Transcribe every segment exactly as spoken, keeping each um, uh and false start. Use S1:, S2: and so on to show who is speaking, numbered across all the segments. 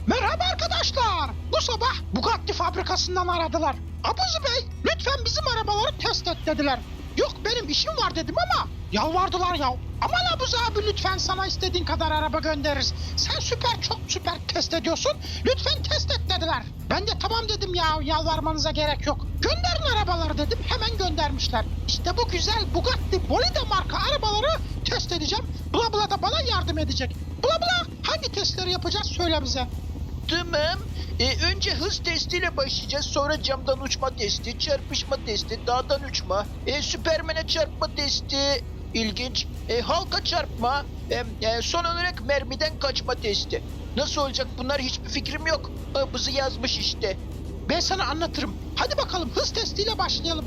S1: Merhaba arkadaşlar. Bu sabah Bugatti fabrikasından aradılar. Abuzi Bey, lütfen bizim arabaları test et dediler. Yok benim işim var dedim ama yalvardılar ya. Aman Abuzi abi lütfen sana istediğin kadar araba göndeririz. Sen süper çok süper test ediyorsun. Lütfen test et dediler. Ben de tamam dedim ya yalvarmanıza gerek yok. Gönderin arabaları dedim hemen göndermişler. İşte bu güzel Bugatti Bolide marka arabaları test edeceğim. Bula Bula da bana yardım edecek. Bula Bula hangi testleri yapacağız söyle bize.
S2: Tamam. Ee, önce hız testiyle başlayacağız. Sonra camdan uçma testi, çarpışma testi, dağdan uçma, e, Süpermen'e çarpma testi. İlginç. E, halka çarpma. E, e, son olarak mermiden kaçma testi. Nasıl olacak bunlar hiçbir fikrim yok. Abuzi yazmış işte.
S1: Ben sana anlatırım. Hadi bakalım hız testiyle başlayalım.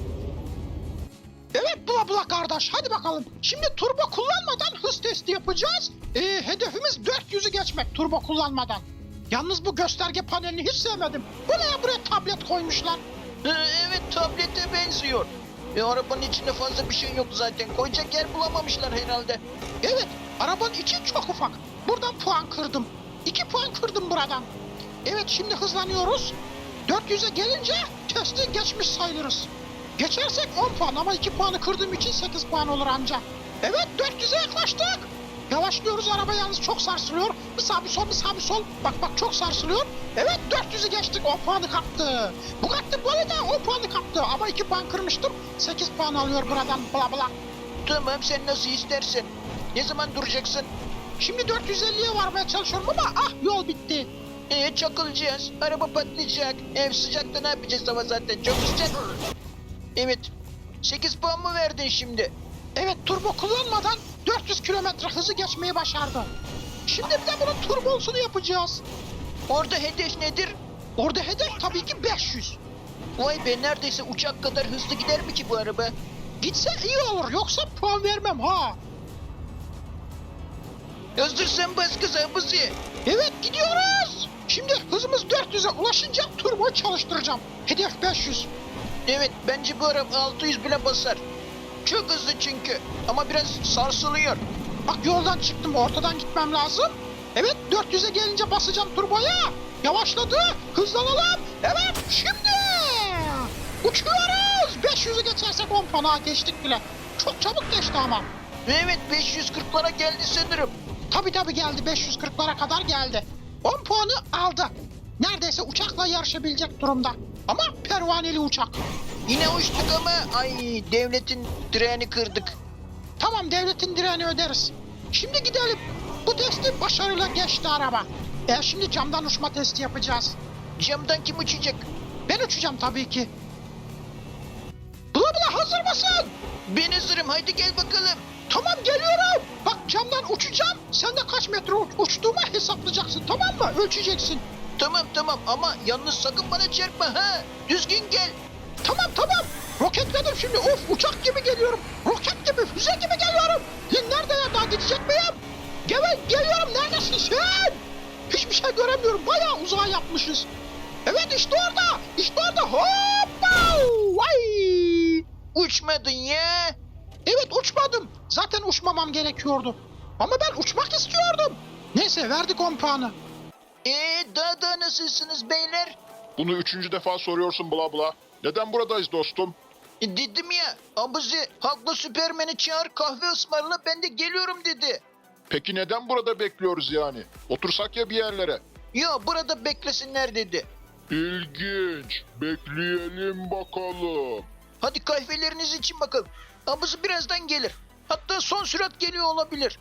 S1: Evet Bula Bula kardeş hadi bakalım. Şimdi turbo kullanmadan hız testi yapacağız. Ee, hedefimiz dört yüzü geçmek turbo kullanmadan. Yalnız bu gösterge panelini hiç sevmedim. Bu ne ya buraya tablet koymuşlar.
S2: E, evet tablete benziyor. E, arabanın içinde fazla bir şey yok zaten. Koyacak yer bulamamışlar herhalde.
S1: Evet arabanın içi çok ufak. Buradan puan kırdım. iki puan kırdım buradan. Evet şimdi hızlanıyoruz. dört yüze gelince testi geçmiş sayılırız. Geçersek on puan ama iki puanı kırdığım için sekiz puan olur anca. Evet dört yüze yaklaştık. Yavaşlıyoruz araba yalnız çok sarsılıyor. Bir sağ bir sol bir sağ bir sol. Bak bak çok sarsılıyor. Evet dört yüzü geçtik on puanı kaptı. Bugatti Bolide on puanı kaptı ama iki puan kırmıştım. sekiz puan alıyor buradan bla bla.
S2: Tamam sen nasıl istersen. Ne zaman duracaksın?
S1: Şimdi dört yüz elliye varmaya çalışıyorum ama ah yol bitti.
S2: Ee, çakılacağız. Araba patlayacak. Ev sıcakta ne yapacağız ama zaten çok sıcak. Evet. sekiz puan mı verdin şimdi?
S1: Evet turbo kullanmadan dört yüz kilometre hızı geçmeyi başardı. Şimdi bir de bunun turbosunu yapacağız.
S2: Orada hedef nedir?
S1: Orada hedef tabii ki beş yüz.
S2: Vay be neredeyse uçak kadar hızlı gider mi ki bu araba?
S1: Gitse iyi olur yoksa puan vermem ha.
S2: Hazırsan bas kız Abuzi.
S1: Evet gidiyoruz. Şimdi hızımız dört yüze ulaşınca turbo çalıştıracağım. Hedef beş yüz.
S2: Evet bence bu araba altı yüz bile basar. Çok hızlı çünkü. Ama biraz sarsılıyor.
S1: Bak yoldan çıktım ortadan gitmem lazım. Evet dört yüze gelince basacağım turboya. Yavaşladı. Hızlanalım. Evet şimdi. Uçuyoruz. beş yüzü geçersek on puana geçtik bile. Çok çabuk geçti ama.
S2: Evet beş yüz kırklara geldi sanırım.
S1: Tabi tabi geldi beş yüz kırklara kadar geldi. on puanı aldı. Neredeyse uçakla yarışabilecek durumda. Ama pervaneli uçak.
S2: Yine uçtuk ama ay devletin direğini kırdık.
S1: Tamam devletin direğini öderiz. Şimdi gidelim. Bu testi başarıyla geçti araba. E şimdi camdan uçma testi yapacağız.
S2: Camdan kim uçacak?
S1: Ben uçacağım tabii ki. Bula bula hazır mısın?
S2: Ben hazırım haydi gel bakalım.
S1: Tamam geliyorum. Bak camdan uçacağım. Sen de kaç metre uç- uçtuğumu hesaplayacaksın tamam mı? Ölçeceksin.
S2: Tamam tamam ama yalnız sakın bana çarpma ha. Düzgün gel.
S1: Tamam tamam. Roketledim şimdi. Of uçak gibi geliyorum. Roket gibi, füze gibi geliyorum. Lan nerede ya? Daha gidecek miyim? Gel, geliyorum. Neredesin sen? Hiçbir şey göremiyorum. Bayağı uzağa yapmışız. Evet işte orada. İşte orada. Hoppa! Vay!
S2: Uçmadın ya.
S1: Evet uçmadım. Zaten uçmamam gerekiyordu. Ama ben uçmak istiyordum. Neyse verdik on puanı.
S2: Eee daha da nasılsınız beyler?
S3: Bunu üçüncü defa soruyorsun bla bla. Neden buradayız dostum?
S2: E, dedim ya Abuzi haklı Süpermen'i çağır kahve ısmarla ben de geliyorum dedi.
S3: Peki neden burada bekliyoruz yani? Otursak ya bir yerlere.
S2: Yo burada beklesinler dedi.
S3: İlginç. Bekleyelim bakalım.
S2: Hadi kahveleriniz için bakalım. Abuzi birazdan gelir. Hatta son sürat geliyor olabilir.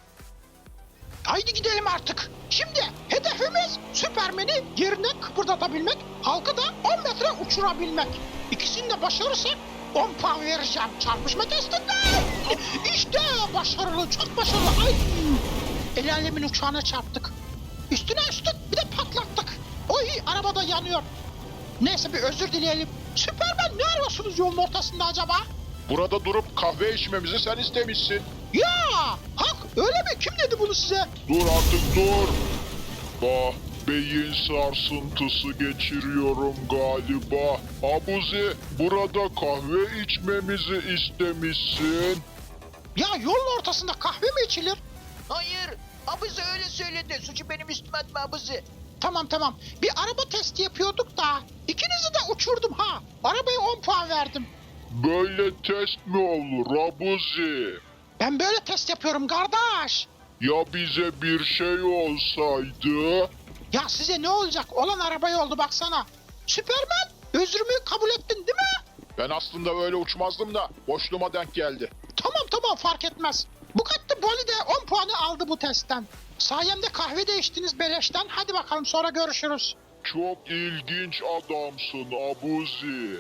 S1: Haydi gidelim artık. Şimdi hedefimiz Süpermen'i yerinden kıpırdatabilmek, halkı da on metre uçurabilmek. İkisini de başarırsak on puan vereceğim çarpışma testinde. İşte başarılı, çok başarılı. Ay! El alemin uçağına çarptık. Üstüne üstlük bir de patlattık. Oy arabada yanıyor. Neyse bir özür dileyelim. Süpermen ne arıyorsunuz yolun ortasında acaba?
S3: Burada durup kahve içmemizi sen istemişsin.
S1: Ya hak öyle mi? Kim dedi bunu size?
S3: Dur artık dur. Bah, beyin sarsıntısı geçiriyorum galiba. Abuzi, burada kahve içmemizi istemişsin.
S1: Ya yolun ortasında kahve mi içilir?
S2: Hayır Abuzi öyle söyledi. Suçu benim üstüme atma Abuzi.
S1: Tamam tamam. Bir araba testi yapıyorduk da ikinizi de uçurdum ha. Arabaya on puan verdim.
S3: Böyle test mi olur Abuzi?
S1: Ben böyle test yapıyorum kardeş.
S3: Ya bize bir şey olsaydı?
S1: Ya size ne olacak? Olan arabaya oldu baksana. Süpermen, özrümü kabul ettin değil mi?
S3: Ben aslında böyle uçmazdım da boşluğuma denk geldi.
S1: Tamam tamam fark etmez. Bugatti Bolide on puanı aldı bu testten. Sayemde kahve de içtiniz beleşten. Hadi bakalım sonra görüşürüz.
S3: Çok ilginç adamsın Abuzi.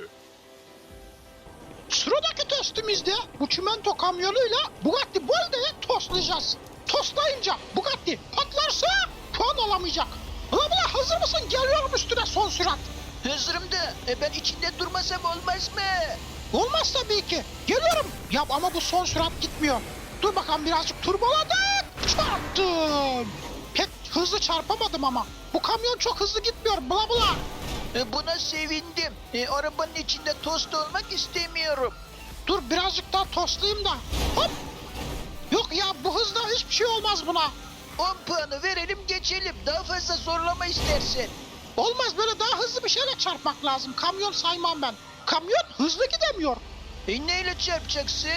S1: Sıradaki testimizde bu çimento kamyonuyla Bugatti Bolide'yi toslayacağız. Toslayınca Bugatti patlarsa puan alamayacak. Bla bla hazır mısın? Geliyorum üstüne son sürat.
S2: Hazırım da e, ben içinde durmasam olmaz mı?
S1: Olmaz tabii ki. Geliyorum. Ya ama bu son sürat gitmiyor. Dur bakalım birazcık turboladık. Çarptım. Pek hızlı çarpamadım ama. Bu kamyon çok hızlı gitmiyor. Bla bla.
S2: E, buna sevindim. E, arabanın içinde tost olmak istemiyorum.
S1: Dur birazcık daha toslayayım da. Hop. Yok ya bu hızla hiçbir şey olmaz buna.
S2: on puanı verelim geçelim. Daha fazla zorlama istersen.
S1: Olmaz böyle daha hızlı bir şeyle çarpmak lazım. Kamyon saymam ben. Kamyon hızlı gidemiyor.
S2: E, neyle çarpacaksın?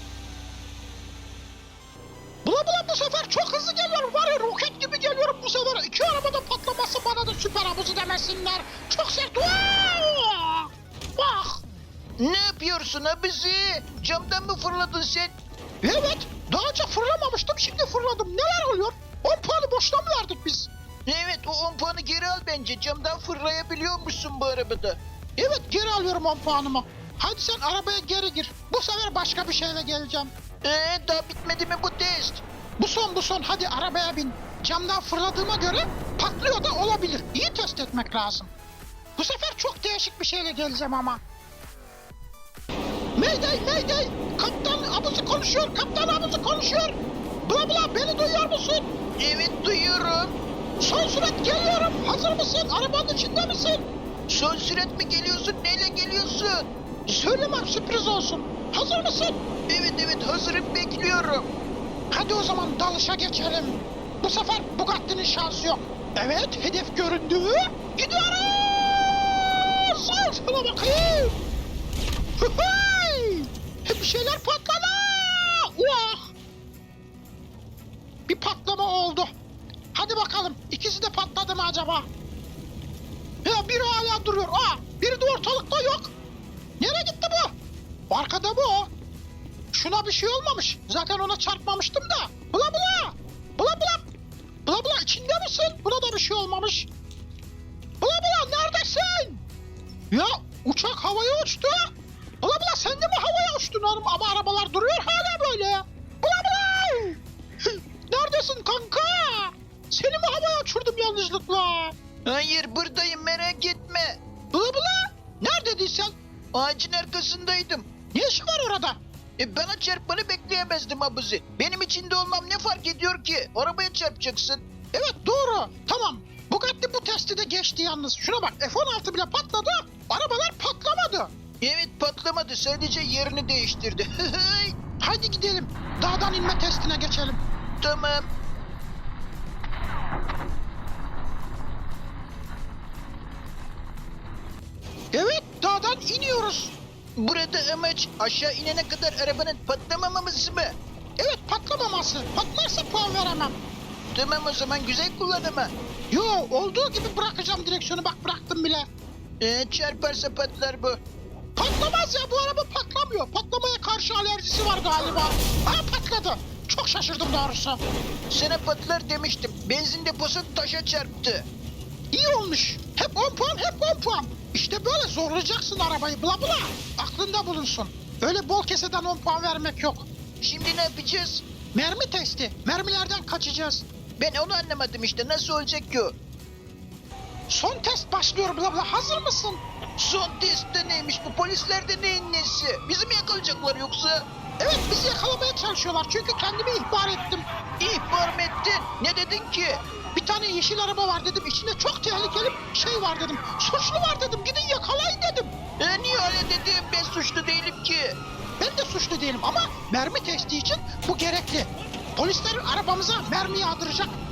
S1: Bula bula bu sefer çok hızlı geliyorum. Var ya roket gibi geliyorum bu sefer. İki arabada patlaması bana da süper havuzu demesinler. Çok sert. Vaa! Bak.
S2: Ne yapıyorsun abizi? Camdan mı fırladın sen?
S1: Evet. Daha önce fırlamamıştım. Şimdi fırladım. Neler oluyor? on puanı boşuna mı verdik biz?
S2: Evet o on puanı geri al bence. Camdan fırlayabiliyormuşsun bu arabada.
S1: Evet geri alıyorum on puanımı. Hadi sen arabaya geri gir. Bu sefer başka bir şeyle geleceğim.
S2: Ee, daha bitmedi mi bu test?
S1: Bu son bu son. Hadi arabaya bin. Camdan fırladığıma göre patlıyor da olabilir. İyi test etmek lazım. Bu sefer çok değişik bir şeyle geleceğim ama. Mayday mayday. Kaptan abuzu konuşuyor. Kaptan abuzu konuşuyor. Bla bla beni duyuyor musun?
S2: Evet duyuyorum.
S1: Son sürat geliyorum. Hazır mısın? Arabanın içinde misin?
S2: Son sürat mi geliyorsun? Neyle geliyorsun?
S1: Söylemem sürpriz olsun. Hazır mısın?
S2: Evet evet hazırım bekliyorum.
S1: Hadi o zaman dalışa geçelim. Bu sefer Bugatti'nin şansı yok. Evet hedef göründü. Gidiyoruz. Al sana bakayım. Hıhıy! Bir şeyler patladı. Vah! Bir patlama oldu. Hadi bakalım ikisi de patladı mı acaba? Ya biri hala duruyor. Aa, biri de ortalıkta yok. Nereye gitti bu? Arkada bu o. Şuna bir şey olmamış. Zaten ona çarpmamıştım da. Bula bula. Bula bula. Bula bula içinde misin? Buna da bir şey olmamış. Bula bula neredesin? Ya uçak havaya uçtu. Bula bula sen de mi havaya uçtun oğlum? Ama arabalar duruyor hala böyle. Bula bula. Neredesin kanka? Seni mi havaya uçurdum yanlışlıkla?
S2: Hayır buradayım merak etme.
S1: Bula bula. Neredeydin sen?
S2: Ağacın arkasındaydım.
S1: Ne işin var orada?
S2: E bana çarpmanı bekleyemezdim abuzi. Benim içinde olmam ne fark ediyor ki? Arabaya çarpacaksın.
S1: Evet doğru. Tamam. Bugatti bu testi de geçti yalnız. Şuna bak F on altı bile patladı. Arabalar patlamadı.
S2: Evet patlamadı sadece yerini değiştirdi.
S1: Hadi gidelim. Dağdan inme testine geçelim.
S2: Tamam.
S1: Evet dağdan iniyoruz.
S2: Burada amaç aşağı inene kadar arabanın patlamaması mı?
S1: Evet patlamaması. Patlarsa puan veremem.
S2: Tamam o zaman güzel kullan ama.
S1: Yo olduğu gibi bırakacağım direksiyonu bak bıraktım bile.
S2: E, çarparsa patlar bu.
S1: Patlamaz ya bu araba patlamıyor. Patlamaya karşı alerjisi var galiba. Aa patladı. Çok şaşırdım doğrusu.
S2: Sana patlar demiştim. Benzin deposu taşa çarptı.
S1: İyi olmuş. Hep on puan hep on puan. İşte böyle zorlayacaksın arabayı bla bla. Aklında bulunsun. Öyle bol keseden on puan vermek yok.
S2: Şimdi ne yapacağız?
S1: Mermi testi. Mermilerden kaçacağız.
S2: Ben onu anlamadım işte. Nasıl olacak ki o?
S1: Son test başlıyor bla bla. Hazır mısın?
S2: Son testte neymiş bu? Polislerde neyin nesi? Bizi mi yakalayacaklar yoksa?
S1: Evet bizi yakalamaya çalışıyorlar. Çünkü kendimi ihbar ettim.
S2: İhbar mı ettin? Ne dedin ki?
S1: Bir tane yeşil araba var dedim. İçinde çok tehlikeli şey var dedim. Suçlu var dedim. Gidin yakalayın dedim.
S2: E, niye öyle dedim? Ben suçlu değilim ki.
S1: Ben de suçlu değilim ama mermi testi için bu gerekli. Polisler arabamıza mermi yağdıracak.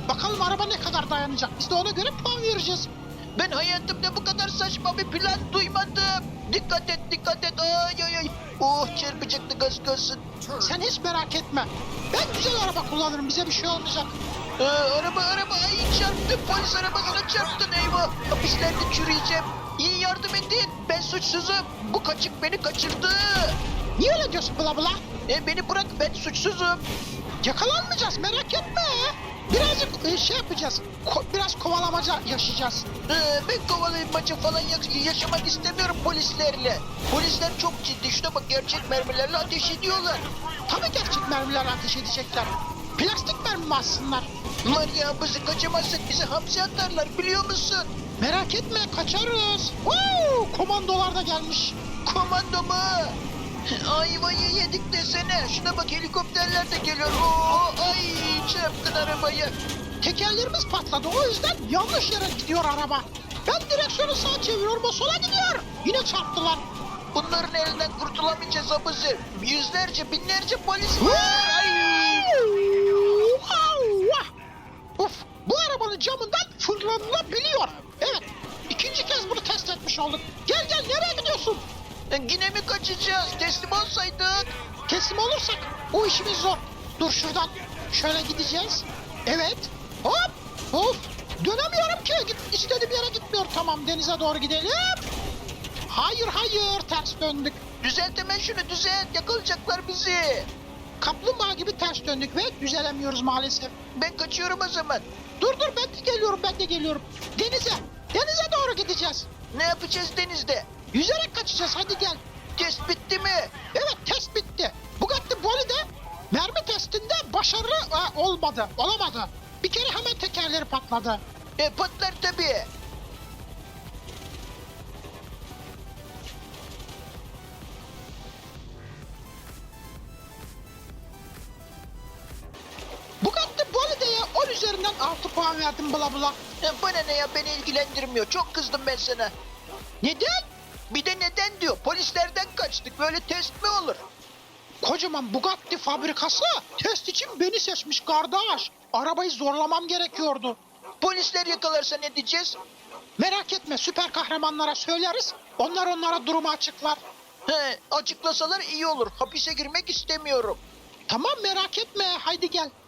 S1: Bakalım araba ne kadar dayanacak. Biz de ona göre puan vereceğiz.
S2: Ben hayatımda bu kadar saçma bir plan duymadım. Dikkat et, dikkat et. Ay ay ay. Oh, çarpacaktı gaz kalsın.
S1: Sen hiç merak etme. Ben güzel araba kullanırım. Bize bir şey olmayacak.
S2: Ee, araba araba ay çarptı. Polis arabasına çarptın eyvah. Hapislerde çürüyeceğim. İyi yardım edin. Ben suçsuzum. Bu kaçık beni kaçırdı.
S1: Niye öyle diyorsun bla bla?
S2: E, beni bırak, ben suçsuzum.
S1: Yakalanmayacağız, merak etme. Birazcık e, şey yapacağız. Ko- biraz kovalamaca yaşayacağız.
S2: Ee, ben kovalaymaca falan ya- yaşamak istemiyorum polislerle. Polisler çok ciddi. Şuna bak, gerçek mermilerle ateş ediyorlar.
S1: Tabii gerçek mermilerle ateş edecekler. Plastik mermi mi atsınlar?
S2: Var ya, bizi kaçamazsak bizi hapse atarlar, biliyor musun?
S1: Merak etme, kaçarız. Woo! Komandolar da gelmiş.
S2: Komando mu? Ayvayı yedik desene. Şuna bak, helikopterler de geliyor. Oo, ay çarptın arabayı.
S1: Tekerlerimiz patladı, o yüzden yanlış yere gidiyor araba. Ben direksiyonu sağa çeviriyorum, o sola gidiyor. Yine çarptılar.
S2: Bunların elinden kurtulamayacağız abuzi. Yüzlerce, binlerce polis var. Ay.
S1: Allah! Uf, bu arabanın camından fırlanılabiliyor. Evet, ikinci kez bunu test etmiş olduk. Gel gel, nereye gidiyorsun?
S2: E, Yine mi kaçacağız? Teslim olsaydık.
S1: Teslim olursak o işimiz zor. Dur şuradan, şöyle gideceğiz. Evet, hop, hop. Dönemiyorum ki, Git, istediğim yere gitmiyor. Tamam, denize doğru gidelim. Hayır hayır, ters döndük.
S2: Düzelt hemen şunu, düzelt. Yakalayacaklar bizi.
S1: Kaplumbağa gibi ters döndük ve düzelemiyoruz maalesef.
S2: Ben kaçıyorum o zaman.
S1: Dur dur, ben de geliyorum, ben de geliyorum. Denize, denize doğru gideceğiz.
S2: Ne yapacağız denizde?
S1: Yüzerek kaçacağız, hadi gel.
S2: Test bitti mi?
S1: Evet, test bitti. Bugatti Boli'de mermi testinde başarılı e, olmadı, olamadı. Bir kere hemen tekerleri patladı.
S2: E patlar tabii.
S1: Bugatti Boli'de on üzerinden altı puan verdim bla bla.
S2: E, bana ne ya, beni ilgilendirmiyor. Çok kızdım ben sana.
S1: Neden?
S2: Bir de neden diyor. Polislerden kaçtık. Böyle test mi olur?
S1: Kocaman Bugatti fabrikası test için beni seçmiş kardeş. Arabayı zorlamam gerekiyordu.
S2: Polisler yakalarsa ne diyeceğiz?
S1: Merak etme, süper kahramanlara söyleriz. Onlar onlara durumu açıklar.
S2: He, açıklasalar iyi olur. Hapise girmek istemiyorum.
S1: Tamam, merak etme, haydi gel.